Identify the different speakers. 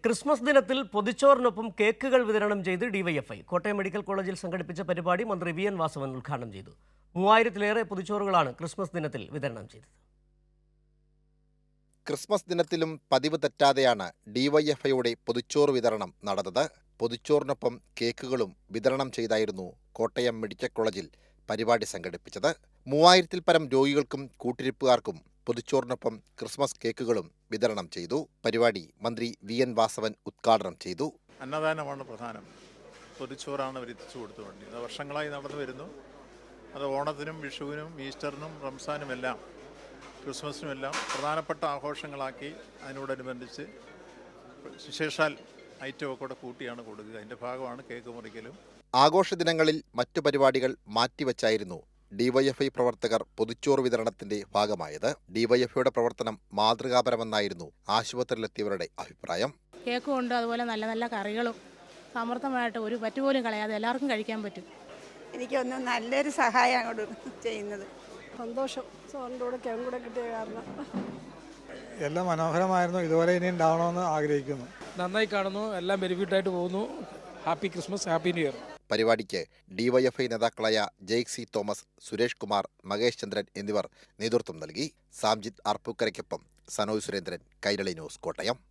Speaker 1: Christmas ദിനത്തിൽ പൊതിച്ചോറിനൊപ്പം കേക്കുകൾ വിതരണം ചെയ്ത് ഡിവൈഎഫ്ഐ. കോട്ടയം മെഡിക്കൽ കോളേജിൽ സംഘടിപ്പിച്ച പരിപാടി മന്ത്രി വി എൻ വാസവൻ ഉദ്ഘാടനം ചെയ്തു. 3000-ലേറെ പൊതിച്ചോറുകളാണ് ക്രിസ്മസ് ദിനത്തിൽ വിതരണം ചെയ്തത്.
Speaker 2: ക്രിസ്മസ് ദിനത്തിലും പതിവ് തെറ്റാതെയാണ് ഡിവൈഎഫ്ഐയുടെ പൊതിച്ചോറ് വിതരണം നടന്നത്. പൊതിച്ചോറിനൊപ്പം കേക്കുകളും വിതരണം ചെയ്തായിരുന്നു കോട്ടയം മെഡിക്കൽ കോളേജിൽ പരിപാടി സംഘടിപ്പിച്ചത്. 3000-ൽ പരം രോഗികൾക്കും കൂട്ടിരിപ്പുകാർക്കും പൊതിച്ചോറിനൊപ്പം ക്രിസ്മസ് കേക്കുകളും വിതരണം ചെയ്തു. പരിപാടി മന്ത്രി വി എൻ വാസവൻ ഉദ്ഘാടനം ചെയ്തു.
Speaker 3: അന്നദാനമാണ് പ്രധാനം. പൊതിച്ചോറാണ് അവർ എത്തിച്ചു കൊടുത്തുകൊണ്ടിരുന്നത്. വർഷങ്ങളായി നടന്നു വരുന്നു. അത് ഓണത്തിനും വിഷുവിനും ഈസ്റ്ററിനും റംസാനുമെല്ലാം ക്രിസ്മസിനുമെല്ലാം പ്രധാനപ്പെട്ട ആഘോഷങ്ങളാക്കി അതിനോടനുബന്ധിച്ച് വിശേഷാൽ ഐറ്റമൊക്കെ കൂടെ കൂട്ടിയാണ് കൊടുക്കുക. അതിൻ്റെ ഭാഗമാണ് കേക്ക് മുറിക്കലും.
Speaker 2: ആഘോഷ ദിനങ്ങളിൽ മറ്റു പരിപാടികൾ മാറ്റിവെച്ചായിരുന്നു ഡിവൈഎഫ്ഐ പ്രവർത്തകർ പൊതിച്ചോറ് വിതരണത്തിന്റെ ഭാഗമായത്. ഡിവൈഎഫ്ഐയുടെ പ്രവർത്തനം മാതൃകാപരമെന്നായിരുന്നു ആശുപത്രിയിലെത്തിയവരുടെ അഭിപ്രായം.
Speaker 4: കേക്കും ഉണ്ട്, അതുപോലെ നല്ല നല്ല കറികളും സമൃദ്ധമായിട്ട് ഒരു പറ്റുപോലും കളയാതെ എല്ലാവർക്കും കഴിക്കാൻ പറ്റും.
Speaker 5: എനിക്കൊന്നും നല്ലൊരു സഹായം അങ്ങോട്ട് ചെയ്യുന്നത്.
Speaker 6: സന്തോഷം, സാറിൻ്റെ കൂടെ കേക്കും കൂടെ കിട്ടിയ കാരണം
Speaker 7: എല്ലാം മനോഹരമായിരുന്നു. ഇതുവരെ ഇനി ഉണ്ടാവണമെന്ന് ആഗ്രഹിക്കുന്നു.
Speaker 8: നന്നായി കാണുന്നു. എല്ലാം ബെനിഫിറ്റായിട്ട് പോകുന്നു. Happy Christmas, happy New Year.
Speaker 2: പരിപാടിക്ക് ഡിവൈഎഫ്ഐ നേതാക്കളായ ജെയ്ക് സി തോമസ്, സുരേഷ് കുമാർ, മകേഷ് ചന്ദ്രൻ എന്നിവർ നേതൃത്വം നൽകി. സാംജിത് ആർപ്പൂക്കരയ്ക്കൊപ്പം സനോജ് സുരേന്ദ്രൻ, കൈരളി ന്യൂസ്, കോട്ടയം.